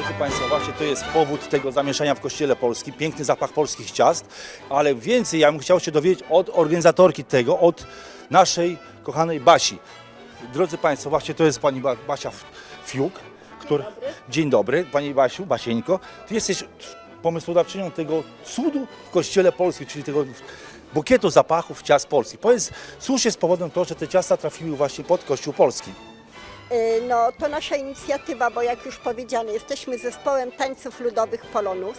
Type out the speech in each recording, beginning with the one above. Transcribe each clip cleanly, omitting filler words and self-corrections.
Drodzy Państwo, właśnie to jest powód tego zamieszania w Kościele Polskim, piękny zapach polskich ciast, ale więcej ja bym chciał się dowiedzieć od organizatorki tego, od naszej kochanej Basi. Drodzy Państwo, właśnie to jest pani Basia Fiuk, która... Dzień dobry, Pani Basiu, Basieńko. Ty jesteś pomysłodawczynią tego cudu w Kościele Polskim, czyli tego bukietu zapachów ciast polskich. Powiedz, cóż jest powodem to, że te ciasta trafiły właśnie pod Kościół Polski? No to nasza inicjatywa, bo jak już powiedziane, jesteśmy zespołem tańców ludowych Polonus.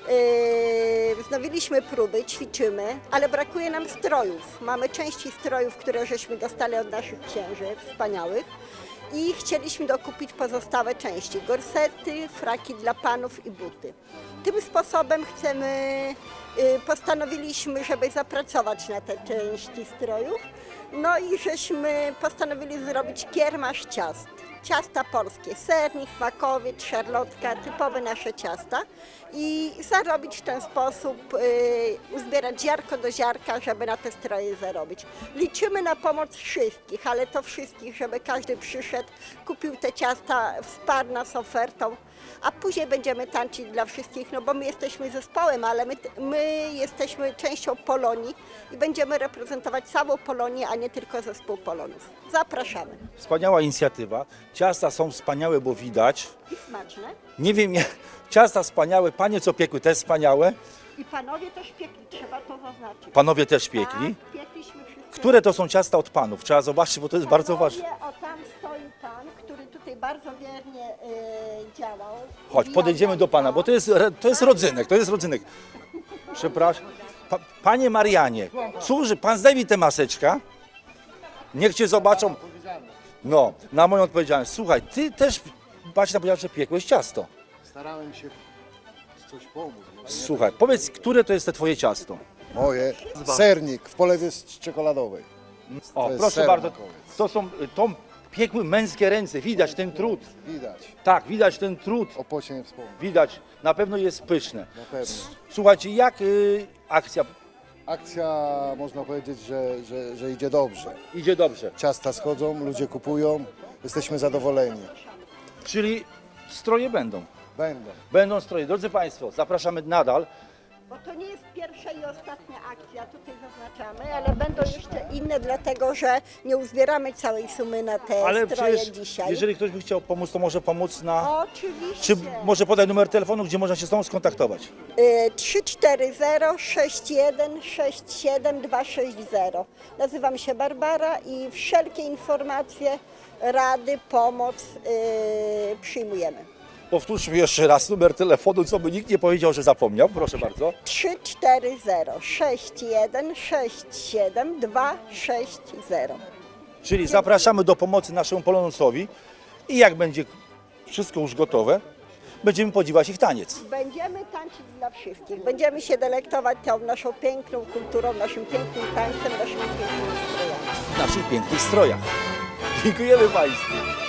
Wznowiliśmy próby, ćwiczymy, ale brakuje nam strojów. Mamy części strojów, które żeśmy dostali od naszych księży wspaniałych i chcieliśmy dokupić pozostałe części, gorsety, fraki dla panów i buty. Tym sposobem postanowiliśmy, żeby zapracować na te części strojów. No i żeśmy postanowili zrobić kiermasz ciast. Ciasta polskie, sernik, smakowiec, szarlotka, typowe nasze ciasta i zarobić w ten sposób, uzbierać ziarko do ziarka, żeby na te stroje zarobić. Liczymy na pomoc wszystkich, ale to wszystkich, żeby każdy przyszedł, kupił te ciasta, wsparł nas ofertą, a później będziemy tańczyć dla wszystkich, no bo my jesteśmy zespołem, ale my jesteśmy częścią Polonii i będziemy reprezentować całą Polonię, a nie tylko zespół Polonów. Zapraszamy. Wspaniała inicjatywa. Ciasta są wspaniałe, bo widać. I smaczne. Nie wiem, ciasta wspaniałe, panie co piekły też wspaniałe. I panowie też piekli, trzeba to zaznaczyć. Panowie też piekli. Tak, piekliśmy wszyscy. Które to są ciasta od panów? Trzeba zobaczyć, bo to jest bardzo ważne. O, tam stoi pan, który tutaj bardzo wiernie działał. Chodź, podejdziemy do pana, bo to jest rodzynek. Przepraszam. Panie Marianie, cóż, pan zdejmij tę maseczkę. Niech cię zobaczą. No, na moją odpowiedzialność. Słuchaj, ty też, Basia powiedziała, że piekłeś ciasto. Starałem się coś pomóc. Słuchaj, powiedz, które to jest te twoje ciasto? Moje. Sernik w polewie czekoladowej. O, To jest proszę ser bardzo, makowiec. to piekły męskie ręce, widać ten trud. Widać. Tak, widać ten trud, O pocie nie wspomnę. widać, na pewno jest pyszne. Na pewno. Słuchajcie, jak akcja Akcja, można powiedzieć, że idzie dobrze. idzie dobrze? Ciasta schodzą, ludzie kupują. Jesteśmy zadowoleni. Czyli stroje będą. Będą. Będą stroje. Drodzy Państwo, zapraszamy nadal. Bo to nie jest pierwsza i ostatnia akcja, tutaj zaznaczamy, ale będą jeszcze inne, dlatego że nie uzbieramy całej sumy na te Ale stroje przecież, dzisiaj. jeżeli ktoś by chciał pomóc, to może pomóc na... Oczywiście. Czy może podaj numer telefonu, gdzie można się z Tobą skontaktować? 340 61 67 260. Nazywam się Barbara i wszelkie informacje, rady, pomoc przyjmujemy. Powtórzmy jeszcze raz numer telefonu, co by nikt nie powiedział, że zapomniał. Proszę bardzo. 340 61 67 260. Czyli zapraszamy do pomocy naszemu Polonusowi i jak będzie wszystko już gotowe, będziemy podziwiać ich taniec. Będziemy tańczyć dla wszystkich. Będziemy się delektować tą naszą piękną kulturą, naszym pięknym tańcem, naszymi pięknymi strojami. W naszych pięknych strojach. Dziękujemy Państwu.